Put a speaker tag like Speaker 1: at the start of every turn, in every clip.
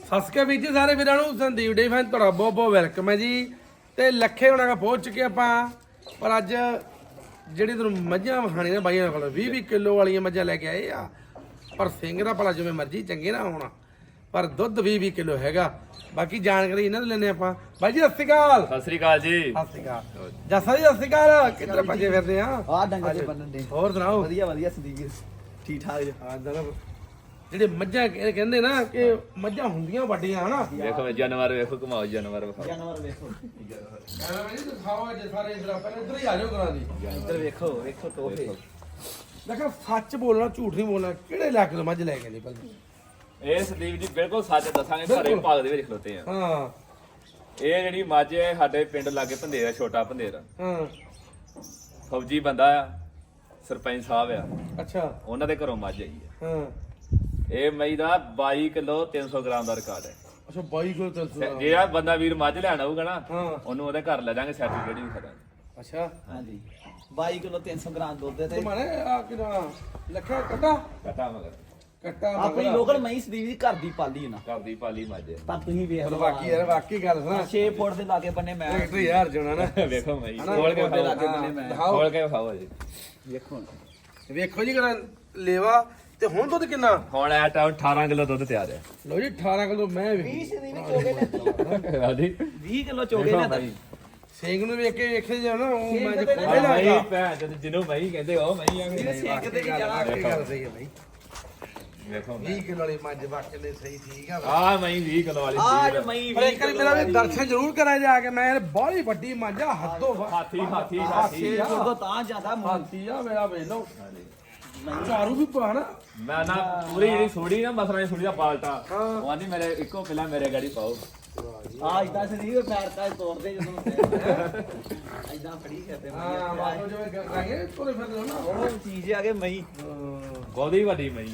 Speaker 1: ਸਤਿ ਸ਼੍ਰੀ ਅਕਾਲ ਵੀਰ ਜੀ ਸਾਰੇ ਵੀਰਾਂ ਨੂੰ। ਸੰਦੀਪ ਡੇ ਫੈਨ ਤੁਹਾਡਾ ਬਹੁਤ ਬਹੁਤ ਵੈਲਕਮ ਹੈ ਜੀ। ਤੇ ਲੱਖੇ ਹੋਣਾ ਪਹੁੰਚ ਚੁੱਕੇ ਆਪਾਂ। ਪਰ ਅੱਜ ਜਿਹੜੀ ਤੁਹਾਨੂੰ ਮੱਝਾਂ ਵਿਖਾਣੀ ਨੇ ਬਾਈਆਂ ਕੋਲ 20-20 ਕਿਲੋ ਵਾਲੀਆਂ ਮੱਝਾਂ ਲੈ ਕੇ ਆਏ ਆ। ਪਰ ਸਿੰਘ ਦਾ ਭਲਾ ਜਿਵੇਂ ਮਰਜ਼ੀ ਚੰਗੇ ਨਾ ਹੋਣਾ, ਪਰ ਦੁੱਧ 20-20 ਕਿਲੋ ਹੈਗਾ। ਬਾਕੀ ਜਾਣਕਾਰੀ ਇਹਨਾਂ ਤੋਂ ਲੈਣੇ ਆਪਾਂ। ਬਾਈ ਜੀ ਸਤਿ ਸ਼੍ਰੀ ਅਕਾਲ।
Speaker 2: ਸਤਿ ਸ੍ਰੀ ਅਕਾਲ ਜੀ।
Speaker 1: ਸਤਿ ਸ਼੍ਰੀ ਅਕਾਲ ਜੱਸਾ ਜੀ, ਸਤਿ ਸ਼੍ਰੀ ਅਕਾਲ। ਕਿੱਧਰ ਭੱਜੇ ਫਿਰਦੇ ਆ?
Speaker 3: ਆ ਡੰਗਰ ਦੇ ਬੰਨਣ ਦੇ।
Speaker 1: ਹੋਰ ਸੁਣਾਓ?
Speaker 3: ਵਧੀਆ ਵਧੀਆ ਸੰਦੀਪ ਵੀਰ, ਠੀਕ ਠਾਕ ਜੀ।
Speaker 1: ਹਾਂ ਜਨਾਬ, ਜਿਹੜੇ ਮੱਝਾਂ ਕਹਿੰਦੇ ਨਾ ਕਿ ਮੱਝਾਂ ਹੁੰਦੀਆਂ ਵੱਡੀਆਂ ਹਨਾ।
Speaker 2: ਵੇਖੋ ਜਾਨਵਰ ਵੇਖੋ, ਘੁਮਾਓ ਜਾਨਵਰ ਵਿਖਾਓ।
Speaker 3: ਜਾਨਵਰ ਵੇਖੋ,
Speaker 1: ਐਵੇਂ ਨਹੀਂ ਦਿਖਾਓ ਅੱਜ ਸਾਰੇ ਇਧਰ ਪਹਿਲਾਂ ਇੱਧਰ ਹੀ ਆ ਜਾਓ ਕਰਾਂ ਦੀ।
Speaker 3: ਇੱਧਰ ਵੇਖੋ ਵੇਖੋ ਤੋਹਫੇ।
Speaker 1: ਦੇਖੋ ਸੱਚ ਬੋਲਣਾ, ਝੂਠ ਨਹੀਂ ਬੋਲਣਾ। ਕਿਹੜੇ ਇਲਾਕੇ ਤੋਂ ਮੱਝ ਲੈ ਕੇ ਨਹੀਂ ਪਹਿਲਾਂ?
Speaker 2: ਇਹ ਸੰਦੀਪ ਜੀ ਬਿਲਕੁਲ ਸੱਚ ਦੱਸਾਂਗੇ, ਭਰੇ ਭਾਗ ਦੇ ਵਿੱਚ ਖਲੋਤੇ ਆ।
Speaker 1: ਹਾਂ
Speaker 2: ਇਹ ਜਿਹੜੀ ਮੱਝ ਹੈ ਸਾਡੇ ਪਿੰਡ ਲਾਗੇ ਭੰਦੇਰ, ਛੋਟਾ ਭੰਦੇਰ,
Speaker 1: ਹਾਂ
Speaker 2: ਫੌਜੀ ਬੰਦਾ ਆ, ਸਰਪੰਚ ਸਾਹਿਬ ਆ,
Speaker 1: ਅੱਛਾ
Speaker 2: ਉਹਨਾਂ ਦੇ ਘਰੋਂ ਮੱਝ ਆਈ ਹੈ।
Speaker 1: ਹਾਂ
Speaker 2: ਇਹ ਮਈ ਦਾ 22 ਕਿਲੋ 300 ਗ੍ਰਾਮ ਦਾ ਰਿਕਾਰਡ ਹੈ।
Speaker 1: ਅੱਛਾ 22 ਕੋਲ ਚੱਲ
Speaker 2: ਜਿਹੜਾ ਬੰਦਾ ਵੀਰ ਮੱਝ ਲੈਣ ਆਊਗਾ ਨਾ,
Speaker 1: ਹਾਂ
Speaker 2: ਉਹਨੂੰ ਉਹਦੇ ਘਰ ਲੈ ਜਾਾਂਗੇ, ਸਰਟੀਫਿਕੇਟ ਵੀ ਖੜਾਂਗੇ।
Speaker 1: ਅੱਛਾ
Speaker 3: ਹਾਂਜੀ 22 ਕਿਲੋ 300 ਗ੍ਰਾਮ ਦੁੱਧ ਤੇ
Speaker 1: ਤੁਹਾਡੇ ਆ ਕਿਹੜਾ ਲੱਖਾ ਕੱਟਾ
Speaker 2: ਕਟਾ ਮਗਰ
Speaker 1: ਕੱਟਾ
Speaker 3: ਆਪਣੀ ਲੋਕਲ ਮਹੀਂ ਸੰਦੀਪ ਦੀ ਘਰ ਦੀ ਪਾਲੀ ਨਾ।
Speaker 2: ਘਰ ਦੀ ਪਾਲੀ ਮੱਝ ਹੈ।
Speaker 3: ਪਰ ਤੁਸੀਂ ਵੇਖ ਲਓ
Speaker 1: ਬਾਕੀ ਯਾਰ ਵਾਕੀ ਗੱਲ ਸੁਣਾ।
Speaker 3: 6 ਫੁੱਟ ਦੇ ਲਾਗੇ ਬੰਨੇ ਮੈਂ
Speaker 1: ਟਰੈਕਟਰ ਯਾਰ ਜਣਾ ਨਾ
Speaker 2: ਵੇਖੋ ਮਈ
Speaker 1: ਹਨਾ?
Speaker 2: ਖੋਲ ਕੇ
Speaker 3: ਦੇ
Speaker 2: ਵਿਖਾਓ,
Speaker 3: ਲਾਗੇ ਬੰਨੇ ਮੈਂ
Speaker 1: ਦਿਖਾਓ।
Speaker 2: ਖੋਲ ਕੇ ਵਿਖਾਓ ਜੀ।
Speaker 3: ਵੇਖੋ
Speaker 1: ਵੇਖੋ ਜੀ ਕਰਾਂ ਲੇਵਾ। ਤੇ ਹੁਣ ਦੁੱਧ ਕਿੰਨਾ?
Speaker 2: ਹੁਣ ਇਹ ਟਾਈਮ 18 ਕਿਲੋ ਦੁੱਧ ਤਿਆਰ ਹੈ।
Speaker 1: ਲੋ ਜੀ 18 ਕਿਲੋ ਮੈਂ ਵੀ
Speaker 3: 20 ਸੰਦੀਪ ਚੋਗੇ ਨੇ।
Speaker 2: ਹਾਂਜੀ
Speaker 3: 20 ਕਿਲੋ ਚੋਗੇ ਨੇ ਤਾਂ
Speaker 1: ਸਿੰਘ ਨੂੰ ਵੇਖ ਕੇ ਵੇਖੇ ਜਾ ਨਾ ਉਹ
Speaker 3: ਸਿੰਘ
Speaker 1: ਮੈਂ
Speaker 3: ਤੇ
Speaker 1: ਖੋਲੇ
Speaker 2: ਮਈ
Speaker 1: ਲਾਗਾ।
Speaker 2: ਭੈਣ ਜਦ ਜਿਹਨੂੰ ਮਈ ਕਹਿੰਦੇ ਉਹ ਮਈ ਆ
Speaker 3: ਵੀਰ ਸਿੰਘ ਤੇ ਨਹੀਂ ਜਾਣਾ।
Speaker 1: ਵਾਕਈ ਗੱਲ ਸਹੀ ਹੈ ਬਾਈ।
Speaker 2: ਵੇਖੋ
Speaker 1: 20 ਕਿਲੋ ਵਾਲੀ ਮੱਝ ਵਾਕਈ ਦੇ ਸਹੀ ਠੀਕ ਆ।
Speaker 2: ਆ ਮਈ 20 ਕਿਲੋ ਵਾਲੀ
Speaker 3: ਆਜ
Speaker 2: ਚੀਜ਼।
Speaker 3: ਮਹੀਂ
Speaker 1: ਪਰ ਇੱਕ ਵਾਰੀ ਮੇਰਾ ਵੀ ਦਰਸ਼ਨ ਜ਼ਰੂਰ ਕਰਾਂ ਜਾ ਕੇ। ਮੈਂ ਯਾਰ ਬਾਹਲੀ ਵੱਡੀ ਮੱਝ ਆ, ਹੱਦੋਂ
Speaker 2: ਹਾਥੀ ਹਾਥੀ
Speaker 3: ਛੇ
Speaker 2: ਹਾਥੀ
Speaker 3: ਫੁੱਟ ਤੋਂ ਤਾਂ ਜ਼ਿਆਦਾ
Speaker 1: ਹਾਥੀ ਆ ਮੇਰਾ ਵੇਖ ਲਓ। ਚਾਰੂ ਵੀ ਪਾਣਾ।
Speaker 2: ਮੈਂ ਨਾ ਪੂਰੀ ਜਿਹੜੀ ਸੋੜੀ ਨਾ ਮਸਲਾ ਸੋੜੀ ਦਾ ਪਾਲਟਾ,
Speaker 1: ਹਾਂ।
Speaker 2: ਉਹ ਆਂਦੀ ਮੇਰੇ ਇੱਕੋ ਪਹਿਲਾਂ ਮੇਰੇ ਗਾੜੀ ਪਾਓ।
Speaker 3: ਆ ਇਦਾਂ ਸੰਦੀਪ ਪੈਰ ਤਾਂ ਤੋੜਦੇ ਜਦੋਂ ਇਦਾਂ ਫੜੀ ਕਰਦੇ
Speaker 1: ਹਾਂ ਬਾਬੂ ਜਿਵੇਂ ਕਰਾਂਗੇ ਤੋਰੇ ਫਿਰਦੇ ਹੋ ਨਾ।
Speaker 3: ਉਹ ਚੀਜ਼ ਆ ਕੇ ਮਹੀਂ
Speaker 2: ਗੋਦੀ ਵੱਡੀ ਮਈ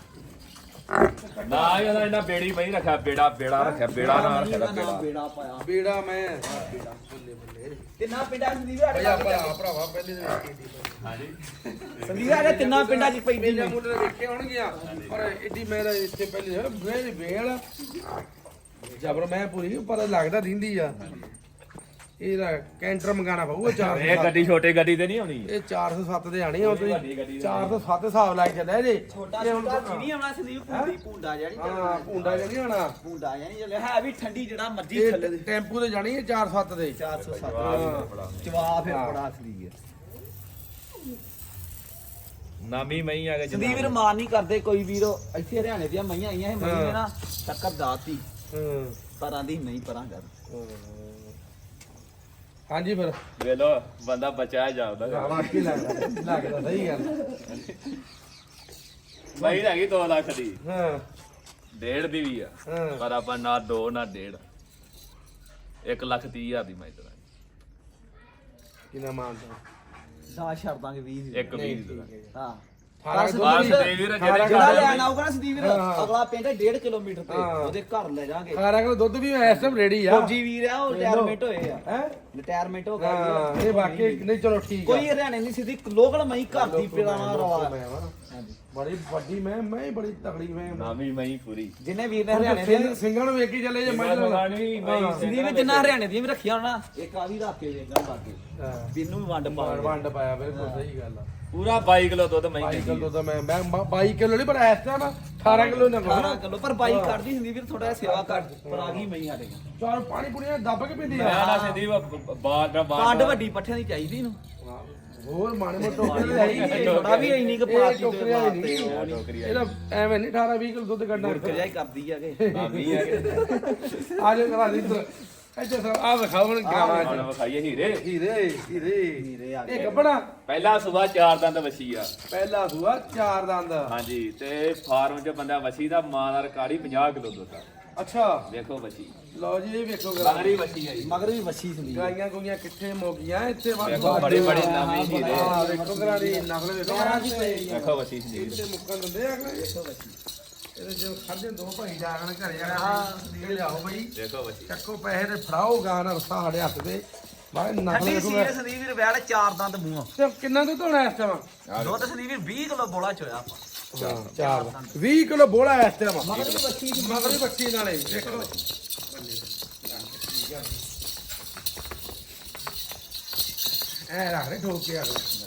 Speaker 2: ਨਾ ਇਹਦਾ ਇਹਨਾਂ ਬੇੜੀ ਮਈ ਰੱਖਿਆ, ਬੇੜਾ ਰੱਖਿਆ, ਬੇੜਾ ਨਾ ਰੱਖਿਆ ਬੇੜਾ।
Speaker 3: ਬੇੜਾ ਪਾਇਆ
Speaker 1: ਬੇੜਾ ਮੈਂ ਬੱਲੇ ਬੱਲੇ
Speaker 3: ਤਿੰਨਾਂ ਪਿੰਡਾਂ ਸੰਦੀਪ ਸਾਡੇ
Speaker 1: ਭਈਆ ਭਰਾਵਾ ਪਹਿਲੇ ਦਿਨ ਵੇਖੀ ਦੀ
Speaker 2: ਹਾਂਜੀ
Speaker 3: ਸੰਦੀਪ ਸਾਡੇ ਤਿੰਨਾਂ ਪਿੰਡਾਂ 'ਚ ਪੈਂਦੀ
Speaker 1: ਮੇਲੇ ਮੁੰਡੇ ਵੇਖੇ ਹੋਣਗੀਆਂ। ਪਰ ਐਡੀ ਮੇਰਾ ਇੱਥੇ ਪਹਿਲੇ ਵੇਲ ਵੇਲ ਜਬਰ ਮੈਂ ਪੂਰੀ ਪਰ ਲੱਗਦਾ ਰਹਿੰਦੀ ਆ। ਇਹਦਾ ਕੈਂਟਰ ਮੰਗਾਣਾ ਪਊਗਾ 400।
Speaker 2: ਇਹ ਗੱਡੀ ਛੋਟੀ ਗੱਡੀ ਤੇ ਨਹੀਂ ਆਉਣੀ।
Speaker 1: ਇਹ 407 ਦੇ ਆਣੀ ਆ। ਤੁਸੀਂ
Speaker 2: ਵੱਡੀ ਗੱਡੀ
Speaker 1: 407 ਹਿਸਾਬ ਲਾਈ ਚੱਲਿਆ ਜੇ।
Speaker 3: ਛੋਟਾ
Speaker 1: ਇਹ ਹੁਣ
Speaker 3: ਛੋਟਾ ਨਹੀਂ ਆਉਣਾ ਸੰਦੀਪ ਭੁੰਡੀ ਭੁੰਡਾ ਜਾਨੀ
Speaker 1: ਹਾਂ ਭੁੰਡਾ ਜਿਹੜੀ ਆਣਾ
Speaker 3: ਭੁੰਡਾ ਜਾਨੀ ਚੱਲਿਆ ਹੈ ਵੀ ਠੰਡੀ ਜਿਹੜਾ ਮਰਜੀ
Speaker 1: ਇਹ
Speaker 3: ਥੱਲੇ ਦੇ
Speaker 1: ਟੈਂਪੂ ਤੇ ਜਾਣੀ ਹੈ 407 ਦੇ।
Speaker 3: 407 ਚਵਾ ਫਿਰ ਬੜਾ ਅਸਲੀ ਹੈ
Speaker 2: ਨਾਮੀ ਮਈ ਆ ਗਏ
Speaker 3: ਸੰਦੀਪ ਵੀਰ ਮਾਰ ਨਹੀਂ ਕਰਦੇ ਕੋਈ ਵੀਰ। ਇੱਥੇ ਹਰਿਆਣੇ ਦੀਆਂ ਮਈਆਂ ਆਈਆਂ ਇਹ ਮਈ ਨੇ ਨਾ ਟੱਕਰ ਦਾਤੀ
Speaker 1: ਹਾਂ
Speaker 3: ਪਰਾਂ ਦੀ ਨਹੀਂ ਪਰਾਂ ਕਰ।
Speaker 1: ਹਾਂਜੀ ਫਿਰ
Speaker 2: ਵੇ ਲੋ ਬੰਦਾ ਬਚਾਇਆ ਜਾਉਂਦਾ।
Speaker 1: ਵਾਕਈ ਲੱਗਦਾ ਸਹੀ ਗੱਲ।
Speaker 2: ਮਈ ਹੈਗੀ 2 ਲੱਖ ਦੀ,
Speaker 1: ਹਾਂ
Speaker 2: 1.5 ਦੀ ਵੀ ਆ,
Speaker 1: ਹਾਂ
Speaker 2: ਪਰ ਆਪਾਂ ਨਾ 2 ਨਾ 1.5, 1,30,000 ਦੀ ਮੈਂ ਤੇਰਾ
Speaker 1: ਕਿੰਨਾ ਮਾਨਦਾ?
Speaker 3: ਦਾ ਛੱਡ ਦਾਂਗੇ 20
Speaker 2: ਇੱਕ 20 ਦੀ
Speaker 3: ਹਾਂ
Speaker 1: 18
Speaker 2: ਬਸ ਸੰਦੀਪ ਵੀਰ ਜਿਹੜੇ
Speaker 3: ਜਿਹੜਾ ਲੈਣ ਆਊਗਾ ਨਾ ਸੰਦੀਪ ਵੀਰ
Speaker 1: ਹਾਂ।
Speaker 3: ਅਗਲਾ ਪਿੰਡ 1.5 ਕਿਲੋਮੀਟਰ ਤੇ
Speaker 1: ਹਾਂ।
Speaker 3: ਉਹਦੇ ਘਰ ਲੈ ਜਾਾਂਗੇ।
Speaker 1: 18 ਕਿਲੋ ਦੁੱਧ ਵੀ ਇਸ ਟਾਈਮ ਰੈਡੀ ਆ।
Speaker 3: ਫੌਜੀ ਵੀਰ ਆ ਉਹ ਰਿਟਾਇਰਮੈਂਟ ਹੋਏ ਆ।
Speaker 1: ਹੈ
Speaker 3: ਰਿਟਾਇਰਮੈਂਟ ਹੋ
Speaker 1: ਹਾਂ
Speaker 3: ਗਈ
Speaker 1: ਇਹ ਵਾਕਈ ਨਹੀਂ ਚਲੋ ਠੀਕ ਆ।
Speaker 3: ਕੋਈ ਹਰਿਆਣੇ ਨਹੀਂ ਸਿੱਧੀ ਲੋਕਲ ਮਈ ਘਰ ਦੀ ਪਿਲਾਣਾ ਰਵਾ।
Speaker 1: ਮੈਂ ਵਾ ਨਾ। ਬੜੀ ਵੱਡੀ ਮੈਂ ਬੜੀ ਤਕੜੀ ਮੈਂ
Speaker 2: ਨਾਮੀ ਮਈ ਪੂਰੀ
Speaker 3: ਜਿੰਨੇ ਵੀਰ ਨੇ ਹਰਿਆਣੇ ਦੇ
Speaker 1: ਸਿੰਘਾਂ ਨੂੰ ਵੇਖੀ ਚੱਲੇ ਜੇ ਮੱਝ ਨੂੰ।
Speaker 2: ਨਹੀਂ ਮਈ
Speaker 3: ਸੰਦੀਪ ਵੀਰ ਜਿੰਨਾ ਹਰਿਆਣੇ ਦੀਆਂ ਵੀ ਰੱਖੀਆਂ ਹੋਣਾ ਇੱਕ ਆ ਵੀ ਰੱਖ ਕੇ ਵੇਖਾਂ ਬਾਕੀ
Speaker 1: ਹਾਂ
Speaker 3: ਬਿੰਨੂ ਵੀ ਵੰਡ ਪਾ
Speaker 1: ਵੰਡ ਪਾਇਆ ਬਿਲਕੁਲ ਸਹੀ ਗੱਲ ਆ।
Speaker 2: ਪੂਰਾ 22 ਕਿਲੋ ਦੁੱਧ ਮਈ
Speaker 1: 22 ਕਿਲੋ ਤਾਂ ਮੈਂ 22 ਕਿਲੋ ਨਹੀਂ ਪਰ ਇਸ ਟਾਈਮ 18 ਕਿਲੋ ਨਾ
Speaker 3: 18 ਕਿਲੋ ਪਰ ਬਾਈ ਕੱਢਦੀ ਸੰਦੀਪ ਵੀਰ ਥੋੜਾ ਸੇਵਾ ਕਰ ਪਰ ਆ ਗਈ ਮਈ ਸਾਡੇ
Speaker 1: ਚਾਰ ਪਾਣੀ ਪੁਣੀਆਂ ਦੱਬ ਕੇ ਪੀਂਦੀ
Speaker 2: ਮੈਂ
Speaker 1: ਆ।
Speaker 2: ਨਾ ਸੰਦੀਪ ਬਾਦ
Speaker 3: ਪੰਡ ਵੱਡੀ ਪੱਠਿਆਂ ਦੀ ਚਾਹੀਦੀ ਨੂੰ
Speaker 1: ਹੋਰ ਮਾਣੇ ਮੋਟੇ ਟੋਕਰੀ
Speaker 3: ਥੋੜਾ ਵੀ ਇੰਨੀ ਕੁ ਪਾਤੀ
Speaker 1: ਟੋਕਰੀ ਨਹੀਂ
Speaker 2: ਟੋਕਰੀ
Speaker 1: ਇਹਦਾ ਐਵੇਂ ਨਹੀਂ 18 20 ਕਿਲੋ ਦੁੱਧ ਕੱਢਣਾ।
Speaker 3: ਗੁਰਕ ਜਾਈ ਕਰਦੀ ਆਗੇ
Speaker 2: ਨਾਮੀ ਆ
Speaker 1: ਆ ਜਾ ਕਰਾ ਦੇ ਇੱਧਰ ਇੱਥੇ ਸਰ ਆ ਵਿਖਾਓ ਹੁਣ ਗਾਵਾਂ
Speaker 2: ਹੁਣ ਵਿਖਾਈਏ ਹੀਰੇ।
Speaker 1: ਹੀਰੇ ਇਹ ਗੱਬਣਾ
Speaker 2: ਪਹਿਲਾ ਸਵੇਰ 4 ਦੰਦ ਵਸੀ ਆ।
Speaker 1: ਪਹਿਲਾ ਸੂਆ 4 ਦੰਦ।
Speaker 2: ਹਾਂਜੀ ਤੇ ਫਾਰਮ 'ਚ ਬੰਦਾ ਵਸੀ ਦਾ ਮਾਂ ਦਾ ਰਿਕਾਰਡ ਹੀ 50 ਕਿਲੋ ਦੁੱਧ ਆ।
Speaker 1: ਅੱਛਾ
Speaker 2: ਵੇਖੋ ਵਸੀ
Speaker 1: ਲਓ ਜੀ ਇਹ ਵੇਖੋ ਗਰਾ
Speaker 2: ਮਗਰੀ ਵਸੀ ਆ ਜੀ।
Speaker 3: ਮਗਰ ਵੀ ਵੱਛੀ ਸੰਦੀਪ
Speaker 1: ਗਾਈਆਂ ਗੁਈਆਂ ਕਿੱਥੇ ਮੁੱਕੀਆਂ ਇੱਥੇ
Speaker 2: ਵੇਖੋ ਬੜੇ ਬੜੇ ਨਾਮੀ ਹੀਰੇ।
Speaker 1: ਹਾਂ ਵੇਖੋ ਗਰਾ ਦੀ ਨਸਲ ਵੇਖੋ
Speaker 3: ਪੈਰਾਂ ਦੀ ਪਈ
Speaker 2: ਵੇਖੋ ਵਸੀ ਸੰਦੀਪ
Speaker 1: ਇੱਥੇ ਮੁੱਕਣ ਦਿੰਦੇ ਆ ਅਗਲੇ। ਇਹਦੇ ਜੋ ਖਾਦੇ ਦੋ ਭਾਈ ਜਾਗਣ ਘਰੇ ਜਾਣਾ ਨੀਲ ਲਿਆਓ ਬਈ
Speaker 2: ਵੇਖੋ ਵਸੀ
Speaker 1: ਚੱਕੋ ਪੈਸੇ ਤੇ ਫੜਾਓ ਗਾਂ ਨਾਲ ਰਸਾ ਸਾਡੇ ਹੱਥ ਤੇ ਬਾਹਰ ਨਸਲ
Speaker 3: ਠੰਡੀ
Speaker 1: ਵੇਖੋ
Speaker 3: ਸੀ ਸੰਦੀਪ ਵੀਰ ਵੈਲ 4 ਦੰਦ ਮੂੰਹ
Speaker 1: ਤੇ ਕਿੰਨਾ ਦੁੱਧ ਹੋਣਾ ਇਸ ਟਾਈਮ?
Speaker 3: ਦੁੱਧ ਸੰਦੀਪ ਵੀਰ 20 ਕਿਲੋ ਬੋਲਾ ਚੋਇਆ ਆਪਾਂ
Speaker 1: ਹਾਂ 4 ਦਾ 20 ਕਿਲੋ ਬੋਲਾ ਇਸ ਟਾਈਮ
Speaker 3: ਮਗਰ ਵੀ ਬੱਚੀ ਦੀ
Speaker 1: ਮਗਰ ਵੀ ਬੱਚੀ ਨਾਲੇ ਦੇਖੋ ਐ ਰੱਖ ਦੇ ਠੋਕ ਕੇ ਆ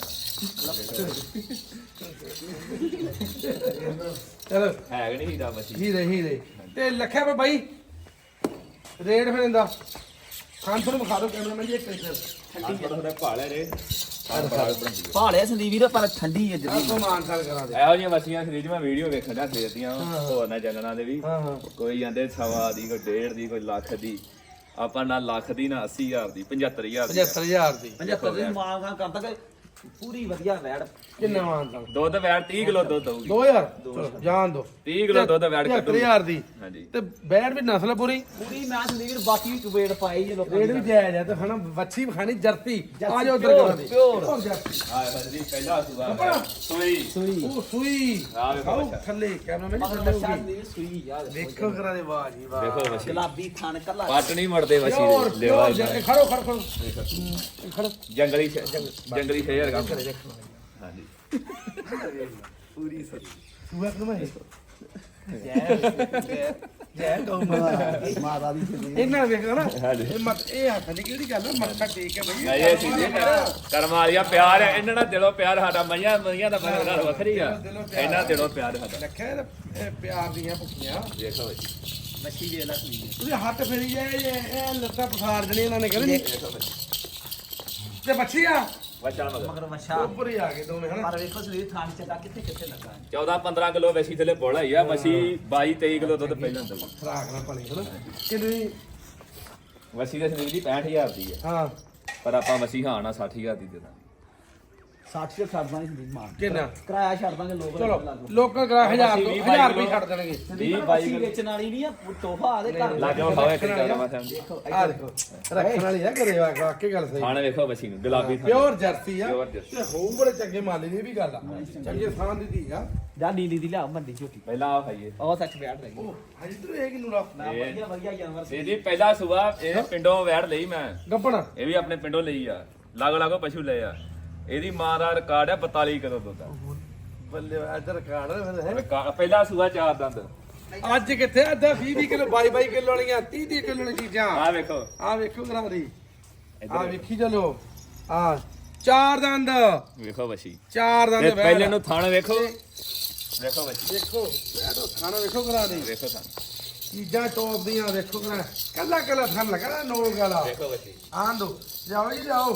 Speaker 1: ਚਲੋ
Speaker 2: ਹੈ ਕਿ ਨਹੀਂ ਹੀਰਾ ਮੱਛੀ
Speaker 1: ਹੀਰੇ ਤੇ ਲੱਖਿਆ ਪੇ ਬਾਈ ਰੇਟ ਫਿਰ ਇਹਦਾ ਖਾਨ ਤੁਹਾਨੂੰ ਵਿਖਾ ਦਿਓ ਕੈਮਰਾਮੈਨ ਜੀ ਇੱਕ ਮਿੰਟ
Speaker 2: ਠੰਡੀ ਬੜਾ ਭਾਲੇ ਰੇ
Speaker 3: ਭਾਲਿਆ ਸੰਦੀਪ ਵੀਰ ਪਰ ਠੰਡੀ ਹੈ ਜਦੀ
Speaker 1: ਆਪੋ ਮਾਨਸਾਲ ਕਰਾ ਦੇ
Speaker 2: ਇਹੋ ਜਿਹੀਆਂ ਮੱਛੀਆਂ ਖਰੀਦ ਮੈਂ ਵੀਡੀਓ ਵੇਖਣ ਦਾ ਖਰੀਦੀਆਂ ਹੋਰ ਨਾ ਚੱਲਣਾ ਦੇ ਵੀ
Speaker 1: ਹਾਂ ਹਾਂ
Speaker 2: ਕੋਈ ਜਾਂਦੇ 1.5 ਦੀ ਕੋਈ 1.5 ਦੀ ਕੋਈ ਲੱਖ ਦੀ ਆਪਾਂ ਨਾ ਲੱਖ ਦੀ ਨਾ 80000 ਦੀ 75000 ਦੀ
Speaker 1: 75000 ਦੀ
Speaker 3: 75 ਦੀ ਮਾਂ ਕਰਦਾ ਕਿ ਪੂਰੀ ਵਧੀਆ ਵੈੜ
Speaker 1: ਕਿੰਨਾ ਮਾਨਸਾਲ
Speaker 2: ਦੁੱਧ ਵੈੜ 30 ਕਿਲੋ ਦੁੱਧ ਦਊਗੀ
Speaker 1: 2000 ਚਲੋ ਜਾਣ ਦੋ
Speaker 2: 30 ਕਿਲੋ ਦੁੱਧ ਵੈੜ ਕੱਢੂ
Speaker 1: 75000 ਦੀ
Speaker 2: ਹਾਂਜੀ
Speaker 1: ਤੇ ਬੈੜ ਵੀ ਨਸਲ ਪੂਰੀ
Speaker 3: ਪੂਰੀ ਮੈਂ ਸੰਦੀਪ ਵੀਰ ਬਾਕੀ ਵੀ ਵੇੜ ਪਾਈ ਜੇ ਲੋਕਾਂ
Speaker 1: ਰੇਟ ਵੀ ਜਾਇਜ਼ ਹੈ ਤੇ ਹਣਾ ਵੱਛੀ ਖਾਣੀ ਜਰਤੀ ਆ ਜਾਓ ਉਧਰ ਕਰਾ ਦੇ
Speaker 3: ਪਿਓਰ
Speaker 1: ਜਰਤੀ
Speaker 2: ਆ ਜੀ ਪਹਿਲਾ ਸੁਭਾ ਸੂਈ
Speaker 3: ਸੂਈ
Speaker 1: ਉਹ ਸੂਈ
Speaker 2: ਆ ਵੇਖੋ
Speaker 1: ਆਓ
Speaker 2: ਬੱਚਾ
Speaker 1: ਥੱਲੇ ਕੈਮਰਾਮੈਨ ਜੀ
Speaker 3: ਮਗਰ
Speaker 1: ਥੱਲੇ
Speaker 3: ਬੱਚਾ
Speaker 1: ਹੋਊਗੀ
Speaker 3: ਸੰਦੀਪ ਸੂਈ ਯਾਰ
Speaker 1: ਦੇਖੋ ਕਰਾ ਦੇ ਵਾਹ ਜੀ ਵਾਹ
Speaker 2: ਦੇਖੋ ਮੱਛੀ
Speaker 3: ਗੁਲਾਬੀ ਥਣ ਕੱਲਾ
Speaker 2: ਪੱਟ ਨਹੀਂ ਮੜਦੇ ਮੱਛੀ
Speaker 1: ਪਿਓਰ
Speaker 2: ਦੇ ਲੈਵਾ
Speaker 1: ਪਿਓਰ ਖੜੋ ਖੜੋ ਖੜੋ ਖੜੋ
Speaker 2: ਜੰਗਲੀ ਜੰਗਲੀ ਸ਼ੇਰ ਕੰਮ ਹਾਂਜੀ
Speaker 3: ਪੂਰੀ ਸਹੀ
Speaker 1: ਸੂਆ ਕਮਾ ਹੈ ਜੈ ਗਊ
Speaker 3: ਮਾਤਾ ਦੀ ਸੰਦੀਪ
Speaker 1: ਇਹਨਾਂ ਵੇਖੋ ਨਾ
Speaker 2: ਹਾਂਜੀ।
Speaker 1: ਇਹ ਮਤ ਇਹ ਹੱਥ ਦੀ ਕਿਹੜੀ ਗੱਲ ਹੈ ਮੱਥਾ ਟੇਕ ਕੇ ਬਈ
Speaker 2: ਨਹੀਂ ਇਹ ਚੀਜ਼ ਕਰਮ ਵਾਲੀਆ ਪਿਆਰ ਹੈ ਇਹਨਾਂ ਨਾਲ ਦਿਲੋਂ ਪਿਆਰ ਸਾਡਾ ਮਈਆਂ ਦਾ ਗੱਲ ਵੱਖਰੀ ਆ ਇਹਨਾਂ ਦਿਲੋਂ ਪਿਆਰ ਸਾਡਾ
Speaker 1: ਲੱਖਿਆ ਇਹ ਪਿਆਰ ਦੀਆਂ ਭੁੱਖੀਆਂ
Speaker 2: ਦੇਖੋ ਜੀ
Speaker 3: ਮੱਛੀ ਵੇਖ ਲੈ ਸੂਈ
Speaker 1: ਤੁਸੀਂ ਹੱਥ ਫੇਰੀ ਜਾਏ ਇਹ ਲੱਤਾਂ ਪਸਾਰ ਜਣੀ ਇਹਨਾਂ ਨੇ ਕਹਿੰਦੇ
Speaker 2: ਦੇਖੋ ਬੱਚੀ
Speaker 1: ਤੇ ਬੱਚੀ ਆ
Speaker 2: ਬੱਚਾ ਮਗਰ
Speaker 3: ਮਗਰ ਮੱਛਾ
Speaker 1: ਉੱਪਰ ਹੀ ਆ ਗਏ ਦੋਵੇਂ ਹਨਾ
Speaker 3: ਪਰ ਵੇਖੋ ਸੰਦੀਪ ਥਣ ਚੱਕਾ ਕਿੱਥੇ ਕਿੱਥੇ ਲੱਗਾ ਹੈ
Speaker 2: 14-15 ਕਿਲੋ ਵੈਸੀ ਥੱਲੇ ਬੋਲਾ ਹੀ ਆ ਮੱਛੀ 22-23 ਕਿਲੋ ਦੁੱਧ ਪਹਿਲਾਂ ਦਊ
Speaker 1: ਖਰਾਕ ਨਾ ਪਣੀ ਹਨਾ ਕਿੰਨੀ
Speaker 2: ਵਸੀ ਦੇ ਸੰਦੀਪ ਦੀ 65000 ਦੀ ਹੈ
Speaker 1: ਹਾਂ
Speaker 2: ਪਰ ਆਪਾਂ ਮੱਛੀ ਹਾਂ ਨਾ 60000 ਦੀ ਦੇ ਦਾਂਗੇ
Speaker 3: 60 ਤੇ ਛੱਡ ਦਾਂਗੇ ਸੰਦੀਪ ਮਾਰ
Speaker 1: ਕਿੰਨਾ
Speaker 3: ਕਿਰਾਇਆ ਛੱਡ ਦਾਂਗੇ ਲੋਕ
Speaker 1: ਚਲੋ ਲੋਕਾਂ ਕਰਾ 1000 ਰੁਪਏ ਛੱਡ ਦੇਣਗੇ
Speaker 3: 20-22 ਵੇਚਣ ਵਾਲੀ ਨਹੀਂ ਆ ਤੋਹਫਾ ਆਦੇ ਘਰ
Speaker 2: ਲਾ ਕੇ ਖਾਵੇ ਇੱਕ ਗੱਲ ਮੈਂ ਸਮਝ
Speaker 3: ਦੇਖੋ
Speaker 1: ਆ ਦੇਖੋ ਰੱਖਣ ਵਾਲੀ ਆ ਕਰੇ ਵਾਕਈ ਗੱਲ ਸਹੀ
Speaker 2: ਖਾਣੇ ਵੇਖੋ ਮੱਛੀ ਨੂੰ ਗੁਲਾਬੀ ਥਾਂ
Speaker 1: ਪਿਓਰ ਜਰਸੀ ਆ
Speaker 2: Pure jersey।
Speaker 1: ਤੇ ਹੋਊ ਬੜੇ ਚੰਗੇ ਮਾਲੀ ਦੀ ਵੀ ਗੱਲ ਆ ਚੰਗੇ ਥਾਂ ਦੀ ਧੀ ਆ
Speaker 3: ਜਾ ਨੀਲੀ ਦੀ ਲਿਆ ਮੰਡੀ ਝੋਟੀ
Speaker 2: ਪਹਿਲਾਂ ਆ ਖਾਈਏ
Speaker 3: ਉਹ ਸੱਚ ਬੈਠ ਰਹੀ
Speaker 1: ਉਹ ਹਜੇ ਤੂੰ ਇਹ ਕਿਨੂੰ ਰਾ
Speaker 3: ਨਾ ਵਧੀਆ ਵਧੀਆ ਜਾਨਵਰ ਸੀ
Speaker 2: ਇਹਦੀ ਪਹਿਲਾ ਸੁਬਾ ਇਹ ਪਿੰਡੋਂ ਵੈੜ ਲਈ ਮੈਂ
Speaker 1: ਗੱਪਣ
Speaker 2: ਇਹ ਵੀ ਆਪਣੇ ਪਿੰਡੋਂ ਲਈ ਆ ਲਾਗੋ ਲਾਗੋ ਪਸ਼ੂ ਲਏ ਆ ਇਹਦੀ ਮਾਂ ਦਾ ਰਿਕਾਰਡ ਹੈ 42 ਕਿਲੋ ਦੁੱਧ ਦਾ
Speaker 1: ਬੱਲੇ ਇੱਧਰ ਕਾੜ ਹੈ
Speaker 2: ਪਹਿਲਾ ਸੁਬਾ 4 ਦੰਦ
Speaker 1: ਅੱਜ ਕਿੱਥੇ ਅੱਧਾ 20 ਕਿਲੋ 22 ਕਿਲੋ ਵਾਲੀਆਂ 30 ਕਿਲੋ ਵਾਲੀਆਂ ਚੀਜ਼ਾਂ
Speaker 2: ਆ ਵੇਖੋ
Speaker 1: ਆ ਵੇਖੋ ਗਰਾਰੀ ਆ ਵੇਖੀ ਚਲੋ ਆ ਚਾਰ ਦੰਦ
Speaker 2: ਵੇਖੋ ਮੱਛੀ
Speaker 1: ਚਾਰ ਦੰਦ
Speaker 2: ਤੇ
Speaker 1: ਵੈੜ।
Speaker 2: ਪਹਿਲੇ ਨੂੰ ਥਣ ਵੇਖੋ ਵੇਖੋ ਮੱਛੀ
Speaker 1: ਦੇਖੋ ਵੈੜੋ ਖਾਣਾ ਵੇਖੋ ਗਰਾਰੀ
Speaker 2: ਵੇਖੋ ਥਣ
Speaker 1: ਚੀਜ਼ਾਂ ਟੋਪ ਦੀਆਂ ਵੇਖੋ ਗਰਾ ਕੱਲਾ ਕੱਲਾ ਥਣ ਲਗਾ ਨੋਲ ਗਾਲਾ
Speaker 2: ਵੇਖੋ ਮੱਛੀ
Speaker 1: ਆਣ ਦੋ ਜਾਓ ਜੀ ਜਾਓ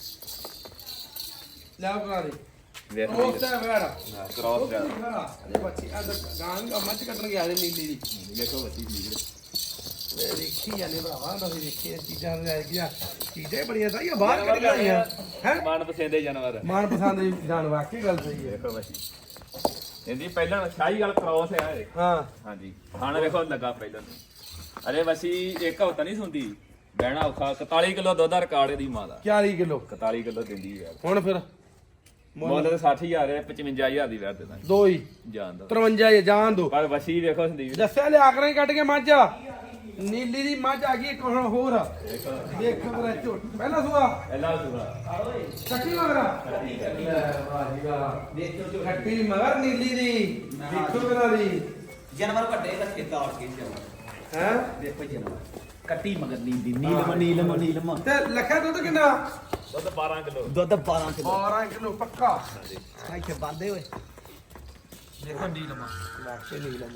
Speaker 1: ਲਿਆਓ ਗਰਾਰੀ
Speaker 2: ਵੇਖੋ
Speaker 1: ਉਹ ਤਾਂ ਵੈੜ
Speaker 2: ਕ੍ਰਾਸ ਦਾ
Speaker 1: ਅਰੇ ਬੱਚੀ ਆ ਗਾਂ ਮੱਝ ਕੱਟਣ ਗਿਆ ਰੇ ਨੀਲੀ ਦੀ
Speaker 2: ਵੇਖੋ ਮੱਛੀ ਵੀਰ
Speaker 1: ਵੇ ਦੇਖੀ ਜਾਂਦੇ ਭਰਾਵਾ ਤੁਸੀਂ ਦੇਖੀ ਚੀਜ਼ਾਂ ਲੈ ਗਿਆ ਚੀਜ਼ਾਂ ਹੀ ਬੜੀਆਂ ਸਾਰੀਆਂ ਬਾਹਰ ਕੱਢ ਗਈਆਂ ਹੈ
Speaker 2: ਮਨ ਪਸੰਦੇ ਜਾਨਵਰ
Speaker 1: ਮਨ ਪਸੰਦ ਦੀ ਜਾਨ ਵਾਕਈ ਗੱਲ ਸਹੀ ਹੈ
Speaker 2: ਵੇਖੋ ਮੱਛੀ ਇਹਦੀ ਪਹਿਲਾਂ ਸ਼ਾਹੀ ਗੱਲ ਕ੍ਰਾਸ ਹੈ ਇਹ
Speaker 1: ਹਾਂ
Speaker 2: ਹਾਂਜੀ ਖਾਣਾ ਵੇਖੋ ਲੱਗਾ ਪਹਿਲਾਂ ਤੋਂ। ਅਰੇ ਵਸੀ ਇੱਕ ਹਫ਼ਤਾ ਨਹੀਂ ਸੁਣਦੀ ਬਹਿਣਾ ਔਖਾ 41 ਕਿਲੋ ਦੁੱਧ ਦਾ ਰਿਕਾਰਡ ਇਹਦੀ ਮਾਂ ਦਾ
Speaker 1: 40 ਕਿਲੋ
Speaker 2: 41 ਕਿਲੋ ਦਿੰਦੀ ਹੈ
Speaker 1: ਹੁਣ ਫਿਰ
Speaker 2: ਮੁੱਲ ਤਾਂ 60000 ਹੈ 55000 ਦੀ ਵੈਟ ਦੇ ਦਾਂਗੇ
Speaker 1: ਦੋ ਹੀ
Speaker 2: ਜਾਣ ਦਾ
Speaker 1: 53 ਜਾਨ ਦੋ
Speaker 2: ਪਰ ਵਸੀ ਵੇਖੋ ਸੰਦੀਪ
Speaker 1: ਦੱਸਿਆ ਲਿਆ ਕਰਾਂ ਹੀ ਕੱਢ ਕੇ ਮੱਝ ਨੀਲੀ ਦੀ ਮੱਝ ਆ ਗਈ ਇੱਕ ਹੁਣ ਹੋਰ ਦੇਖ ਮੇਰਾ ਝੋਟ ਪਹਿਲਾ ਸੁਆ
Speaker 2: ਪਹਿਲਾ ਸੁਣਾ
Speaker 1: ਚੱਕੀ ਮਗਰਾ ਵਾਹ ਜੀ ਵਾਹ
Speaker 3: ਦੇਖੋ ਜੋ
Speaker 1: ਖੱਟੀ ਮਗਰ ਨੀਲੀ ਦੀ ਦੇਖੋ ਮੇਰਾ ਦੀ
Speaker 3: ਜਾਨਵਰ ਵੱਡੇ ਰੱਖੇ ਤਾੜ ਕੇ ਜਾਨਵਰ
Speaker 1: ਹੈ
Speaker 3: ਦੇਖੋ ਜਾਨਵਰ ਕੱਟੀ ਮਗਰ ਨੀਲੀ ਨੀਲਮ
Speaker 1: ਤੇ ਲੱਖਾ ਦੁੱਧ ਕਿੰਨਾ
Speaker 2: ਦੁੱਧ 12 ਕਿਲੋ
Speaker 3: ਦੁੱਧ 12 ਕਿਲੋ
Speaker 1: 12 ਕਿਲੋ ਪੱਕਾ
Speaker 3: ਇੱਥੇ ਬੰਦੇ ਹੋਏ ਦੇਖੋ ਨੀਲਮ
Speaker 1: ਲੱਖੇ ਨੀਲਮ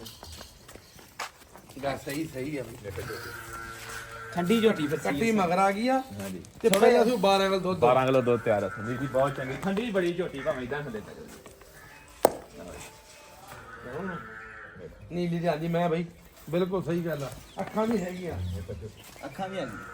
Speaker 1: ਗਾ ਸਹੀ ਹੈ ਬਈ
Speaker 3: ਠੰਡੀ ਝੋਟੀ ਫਿਰ
Speaker 1: ਕੱਟੀ ਮਗਰ ਆ ਗਈ ਆ
Speaker 2: ਹਾਂਜੀ
Speaker 1: ਤੇ ਪਹਿਲਾਂ ਸੀ 12 ਕਿਲੋ ਦੁੱਧ
Speaker 2: 12 ਕਿਲੋ ਦੁੱਧ ਤਿਆਰ ਹੈ ਸੰਦੀਪ ਜੀ ਬਹੁਤ ਚੰਗੀ ਠੰਡੀ ਬੜੀ ਝੋਟੀ ਭਾਵੇਂ ਇਦਾਂ ਥੱਲੇ ਤੱਕ
Speaker 1: ਨੀਲੀ ਦੀ ਆਂਦੀ ਮੈਂ ਬਈ ਬਿਲਕੁਲ ਸਹੀ ਗੱਲ ਆ ਅੱਖਾਂ ਵੀ ਹੈਗੀਆਂ
Speaker 3: ਅੱਖਾਂ ਵੀ ਆ ਗਈਆਂ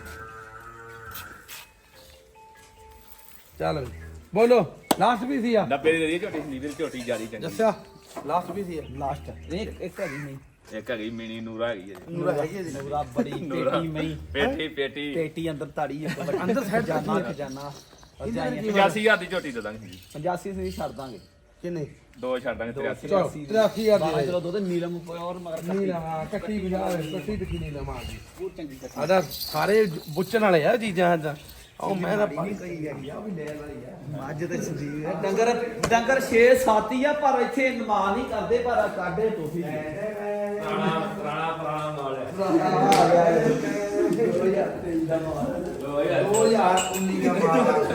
Speaker 1: ਚੱਲ ਬਈ ਬੋਲੋ ਲਾਸਟ ਵੀ ਸੀ ਆ
Speaker 2: 90 ਦੀ ਦੇ ਦੀ ਝੋਟੀ ਸੰਦੀਪ ਦੀ ਝੋਟੀ ਜਿਆਦੀ ਚੰਗੀ
Speaker 1: ਦੱਸਿਆ ਲਾਸਟ ਵੀ ਸੀ ਆ
Speaker 3: ਲਾਸਟ ਇੱਕ ਹੈਗੀ ਨਹੀਂ
Speaker 2: ਇੱਕ ਹੈਗੀ ਮਿਨੀ ਨੂਰਾ ਹੈਗੀ ਹੈ ਜੀ
Speaker 1: ਨੂਰਾ ਹੈਗੀ ਆ ਜੀ
Speaker 3: ਨੂਰਾ ਬੜੀ ਪੇਟੀ ਮਈ
Speaker 2: ਪੇਟੀ
Speaker 3: ਪੇਟੀ ਅੰਦਰ ਤਾੜੀ ਇੱਕ ਵੱਡੀ
Speaker 1: ਅੰਦਰ side
Speaker 3: ਖਜ਼ਾਨਾ
Speaker 1: ਤਾੜੀ
Speaker 3: ਖਜ਼ਾਨਾ
Speaker 1: ਇਹਦੇ ਨਾਲ ਕੀ
Speaker 2: 85000 ਦੀ ਝੋਟੀ ਦੇ ਦਾਂਗੇ ਜੀ
Speaker 3: 85 ਸੀ ਛੱਡ ਦਾਂਗੇ
Speaker 1: ਕਿੰਨੇ
Speaker 2: ਦੋ ਛੱਡ ਦਾਂਗੇ 83
Speaker 1: ਚਲੋ 83000
Speaker 3: 12
Speaker 1: ਦੀ
Speaker 3: ਕਿਲੋ ਦੁੱਧ ਨੀਲਮ ਪਿਓਰ ਮਗਰ
Speaker 1: ਨੀਲਾ ਹਾਂ ਕੱਟੀ ਬਜਾ ਕੱਟੀ ਦਿਖੀ ਨੀਲਾ ਮਾਰ ਦੀ
Speaker 3: ਬਹੁਤ ਚੰਗੀ ਕੱਟੀ
Speaker 1: ਆਦਾ ਸਾਰੇ ਬੁੱਚਣ ਵਾਲੇ ਆ ਚੀਜ਼ਾਂ ਦਾ ਉਹ ਮੈਂ ਤਾਂ
Speaker 3: ਨਹੀਂ ਕੋਈ ਹੈਗੀ ਆ ਉਹ ਵੀ ਲੈਣ ਵਾਲੀ ਆ ਮੱਝ ਤੇ ਸੰਦੀਪ ਹੈ ਡੰਗਰ 6-7 ਹੀ ਆ ਪਰ ਇੱਥੇ ਨਮਾ ਨਹੀਂ ਕਰਦੇ ਪਰ ਕਾਢੇ ਟੋਫੀ
Speaker 2: ਪੁਰਾਣਾ ਮਾਲ ਹੈ
Speaker 3: 2023 ਦਾ ਮਾਲ
Speaker 1: 2019 ਦਾ ਮਾਲ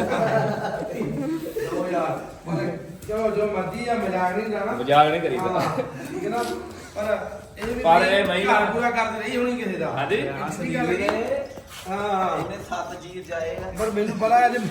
Speaker 1: 2000 ਜੋ ਮਰਜ਼ੀ ਆ ਮਜ਼ਾਕ ਨਹੀਂ ਜਾਣਾ
Speaker 2: ਮਜ਼ਾਕ ਨਹੀਂ ਕਰੀਦਾ
Speaker 1: ਹਾਂ, ਠੀਕ ਹੈ ਨਾ ਪਰ ਇਹ ਵੀ
Speaker 2: ਪਰ ਇਹ ਮਹੀਂ
Speaker 1: ਘਰ ਪੂਰਾ ਕਰਦੇ ਰਹੀ ਹੋਣੀ ਕਿਸੇ ਦਾ
Speaker 2: ਹਾਂਜੀ
Speaker 1: ਅਸਲੀ ਗੱਲ ਕੀ ਹਾਂ
Speaker 3: ਇਹਨੇ 7 ਜੀਰ ਜਾਏ ਆ
Speaker 1: ਪਰ ਮੈਨੂੰ ਪਤਾ ਹੈ ਜੇ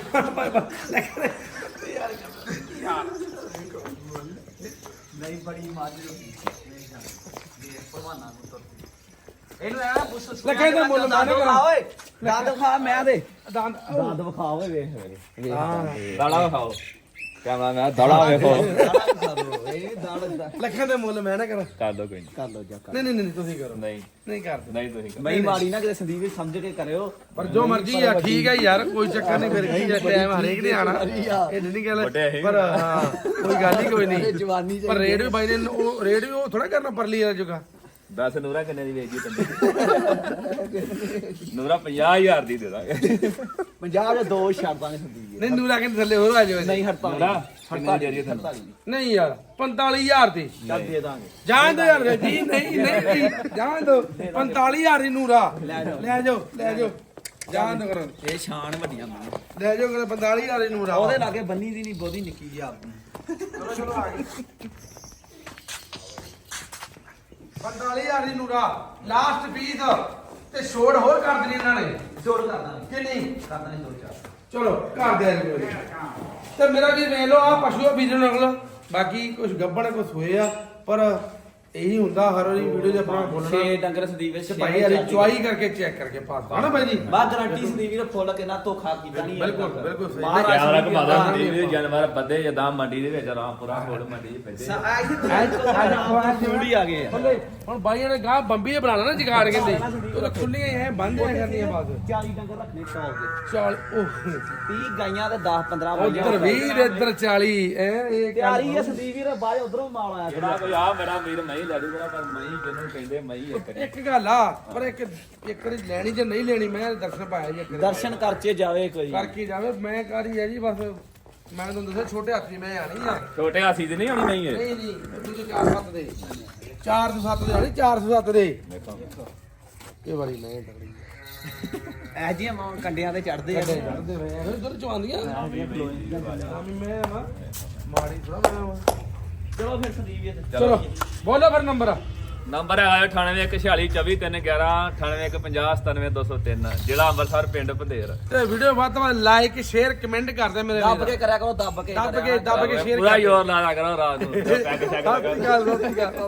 Speaker 3: ਨਹੀਂ ਬੜੀ ਮੱਝ ਭਲਵਾਨਾਂ ਨੂੰ ਤੁਰਦੀ ਇਹਨੂੰ ਐ ਪੁੱਛ
Speaker 1: ਲੱਗੇ ਦਾ ਮੁੱਲ ਮਾਨੇ ਕਰਾ
Speaker 3: ਓਏ ਦੰਦ ਵਿਖਾ ਮੈਂ ਦੇ
Speaker 1: ਦੰਦ
Speaker 3: ਦੰਦ ਵਿਖਾ ਓਏ ਵੇਖ
Speaker 1: ਹਾਂ
Speaker 2: ਦਾੜਾ ਵਿਖਾਓ ਕੈਮਰਾ ਮੈਂ ਦਾੜਾ ਵੇਖੋ
Speaker 3: ਇਹ ਦੰਦ
Speaker 1: ਲੱਖਾਂ ਦੇ ਮੁੱਲ ਮੈਂ ਨਾ ਕਰਾਂ
Speaker 2: ਕਰ ਦੋ ਕੋਈ ਨਹੀਂ
Speaker 3: ਕਰ ਲੋ ਜਾ
Speaker 1: ਨਹੀਂ ਤੁਸੀਂ ਕਰੋ
Speaker 2: ਨਹੀਂ
Speaker 1: ਨਹੀਂ ਕਰਦੇ
Speaker 2: ਨਹੀਂ ਤੁਸੀਂ ਕਰੋ।
Speaker 3: ਮੈਂ ਮਾੜੀ ਨਾ ਕਿਤੇ ਸੰਦੀਪ ਵੀ ਸਮਝ ਕੇ ਕਰਿਓ
Speaker 1: ਪਰ ਜੋ ਮਰਜ਼ੀ ਆ ਠੀਕ ਹੈ ਯਾਰ ਕੋਈ ਚੱਕਰ ਨਹੀਂ ਫਿਰ ਕੀ ਆ ਟਾਈਮ ਹਰੇਕ ਨੇ ਆਣਾ ਇਹ ਨਹੀਂ ਗੱਲ
Speaker 2: ਵੱਡੇ ਹੀ
Speaker 1: ਪਰ ਹਾਂ ਕੋਈ ਗੱਲ ਹੀ ਕੋਈ ਨਹੀਂ
Speaker 3: ਜਵਾਨੀ
Speaker 1: ਪਰ ਰੇਟ ਵੀ ਬਾਈ ਨੇ ਉਹ ਰੇਟ ਵੀ ਉਹ ਥੋੜਾ ਕਰਨਾ ਪਰਲੀ ਵਾਲਾ ਜੁਗਾ
Speaker 2: ਦੱਸ ਨੂਰਾ ਕਿੰਨੇ ਦੀ ਵੇਚੀ ਤੈਨੂੰ ਨੂਰਾ 50000 ਦੀ ਦੇ ਦਾਂਗੇ
Speaker 3: 50 ਦੇ ਦੋ ਛੱਡ ਦਾਂਗੇ ਸੰਦੀਪ
Speaker 1: ਨਹੀਂ ਨੂਰਾ ਕਹਿੰਦੇ ਥੱਲੇ ਹੋਰ ਆ ਜਾਵੇ
Speaker 3: ਨਹੀਂ ਹੜਤਾਲ
Speaker 2: ਨੂਰਾ ਕਿੰਨੇ ਦੇ ਰਹੀ ਤੁਹਾਨੂੰ
Speaker 3: 48
Speaker 1: ਨਹੀਂ ਯਾਰ 45000 ਦੀ
Speaker 3: ਚੱਲ ਦੇ ਦਾਂਗੇ
Speaker 1: ਜਾਣ ਦੋ ਯਾਰ ਜੀ ਨਹੀਂ ਜਾਣ ਦੋ 45000 ਦੀ ਨੂਰਾ ਲੈ ਜਾਓ ਜਾਣ ਦੋ ਕਰੋ
Speaker 3: ਇਹ ਸ਼ਾਨ ਵੱਡੀਆਂ ਮੰਨ
Speaker 1: ਲੈ ਜਾਓ ਕਰ 45000 ਦੀ ਨੂਰਾ
Speaker 3: ਉਹਦੇ ਲਾਗੇ ਬੰਨੀ ਦੀ ਨਹੀਂ ਬਹੁਤੀ ਨਿੱਕੀ ਜੀ ਆਪਣੀ
Speaker 1: ਚਲੋ ਆ ਗਈ 45000 ਦੀ ਨੂਰਾ ਲਾਸਟ ਪੀਸ ਤੇ ਛੋੜ ਹੋਰ ਕਰ ਦੇਣੀ ਇਹਨਾਂ ਨੇ
Speaker 3: ਜੋੜ ਕਰ ਦਾਂਗੇ
Speaker 1: ਕਿ ਨਹੀਂ
Speaker 3: ਕਰ ਦਾਂਗੇ ਜੋੜ ਚਾਰ
Speaker 1: ਚਲੋ ਕਰ ਦੇ ਕੋਈ ਤੇ ਮੇਰਾ ਵੀ ਵੇਖ ਲਓ ਆ ਪਸ਼ੂ ਬੀਜਣ ਨਕਲ ਬਾਕੀ ਕੁਝ ਗੱਬੜ ਕੁਝ ਹੋਏ ਆ ਪਰ ਇਹੀ ਹੁੰਦਾ ਹਰ ਵਾਰੀ ਵੀਡੀਓ 'ਚ ਆਪਣਾ ਬੋਲਣਾ
Speaker 3: 6 ਡੰਗਰ ਸੰਦੀਪ ਵਿੱਚ
Speaker 1: ਤੇ ਭਾਈ ਹਲੇ ਚੁਆਈ ਕਰਕੇ ਚੈੱਕ ਕਰਕੇ ਪਾਸਦਾ ਨਾ ਭਾਈ ਜੀ
Speaker 3: ਬਾ ਗਾਰੰਟੀ ਸੰਦੀਪ ਵੀਰ ਫੁੱਲ ਕੇ ਨਾ ਧੋਖਾ ਕੀਤਾ ਨਹੀਂ
Speaker 1: ਬਿਲਕੁਲ ਸਹੀ।
Speaker 2: ਕੈਮਰਾ ਘਮਾਦਾ ਹੁੰਦੀ ਵੀ ਜਾਨਵਰ ਬੱਦੇ ਜਦਾਂ ਮੰਡੀ ਦੇ ਵਿੱਚ ਰਾਮਪੁਰਾ ਕੋਲ ਮੰਡੀ 'ਚ ਪੈਂਦੇ
Speaker 3: ਜੂੜੀ ਆ ਗਏ
Speaker 1: ਹੁਣ ਬਾਈਆਂ ਨੇ ਗਾਹ ਬੰਬੀ ਦੇ ਬਣਾਣਾ ਨਾ ਜਗਾੜ ਕਹਿੰਦੇ ਉਹ ਤਾਂ ਖੁੱਲੀਆਂ ਹੀ ਐ ਬੰਦ ਐ ਕਰਨੀਆਂ ਬਾਅਦ
Speaker 3: 40 ਡੰਗਰ ਰੱਖਣੇ ਟੌਪ ਦੇ
Speaker 1: ਚੱਲ ਉਹ
Speaker 3: 30 ਗਾਈਆਂ ਤੇ 10 15
Speaker 1: ਉਧਰ 20 ਇੱਧਰ 40 ਐ ਇਹ
Speaker 3: ਤਿਆਰੀ ਹੈ ਸੰਦੀਪ ਵੀਰ ਬਾਅਦ ਉਧਰੋਂ ਮਾਲ ਆਇਆ
Speaker 2: ਜਿਹੜਾ ਕੋਈ ਆ ਮੇਰਾ ਵੀਰ ਮਹੀਂ ਲੈ ਜੂਗਾ ਪਰ ਮਹੀਂ ਜਿਹਨੂੰ ਕਹਿੰਦੇ ਮਹੀਂ ਇੱਕ ਨੇ
Speaker 1: ਇੱਕ ਗੱਲ ਆ ਪਰ ਇੱਕ ਵਾਰੀ ਲੈਣੀ ਜੇ ਨਹੀਂ ਲੈਣੀ ਮੈਂ ਦਰਸ਼ਨ ਪਾਇਆ ਜੀ ਇੱਕ ਵਾਰੀ।
Speaker 3: ਦਰਸ਼ਨ ਕਰਚੇ ਜਾਵੇ ਕੋਈ
Speaker 1: ਕਰਕੇ ਜਾਵੇ ਮੈਂ ਕਰੀ ਹੈ ਜੀ ਬਸ ਮੈਂ ਤੁਹਾਨੂੰ ਦੱਸਿਆ ਛੋਟੇ ਹੱਥੀ ਮੈਂ ਆਣੀ ਆ
Speaker 2: ਛੋਟੇ ਹਾਸੀ ਦੀ ਨਹੀਂ ਹੋਣੀ ਮਹੀਂ ਇਹ
Speaker 1: ਨਹੀਂ ਦੂਜੇ 4-7 ਦੇ 407 ਦੇ ਆਣੀ 407 ਦੇ
Speaker 2: ਦੇਖੋ
Speaker 1: ਇਹ ਵਾਰੀ ਮੈਂ ਤਗੜੀ
Speaker 3: ਐ ਜੀ ਕੰਡਿਆਂ ਤੇ ਚੜਦੇ ਆ
Speaker 1: ਚੜਦੇ ਹੋਏ ਉਧਰ ਚਵਾਂਦੀਆਂ ਆਮੀ ਮੈਂ ਵਾ ਮਾੜੀ ਥੋੜਾ ਮੈਂ ਵਾ
Speaker 3: ਚਲੋ ਫਿਰ ਸੰਦੀਪ ਵੀਰ
Speaker 1: ਚਲੋ ਬੋਲੋ ਫਿਰ ਨੰਬਰ
Speaker 2: ਨੰਬਰ ਹੈਗਾ 9814423111 9815097203 ਜ਼ਿਲ੍ਹਾ ਅੰਮ੍ਰਿਤਸਰ ਪਿੰਡ ਭੰਦੇਰ
Speaker 1: ਤੇ ਵੀਡੀਓ ਵੱਧ ਤੋਂ ਵੱਧ ਲਾਈਕ ਸ਼ੇਅਰ ਕਮੈਂਟ ਕਰਦੇ ਮੇਰੇ
Speaker 3: ਦੱਬ ਕੇ ਕਰਿਆ ਕਰੋ ਦੱਬ ਕੇ
Speaker 1: ਦੱਬ ਕੇ ਸ਼ੇਅਰ
Speaker 2: ਪੂਰਾ ਜ਼ੋਰ ਲਾ ਕਰੋ ਰਾਤ ਨੂੰ ਪੈਗ ਸ਼ੈਗ
Speaker 1: ਸਤਿ ਸ਼੍ਰੀ ਅਕਾਲ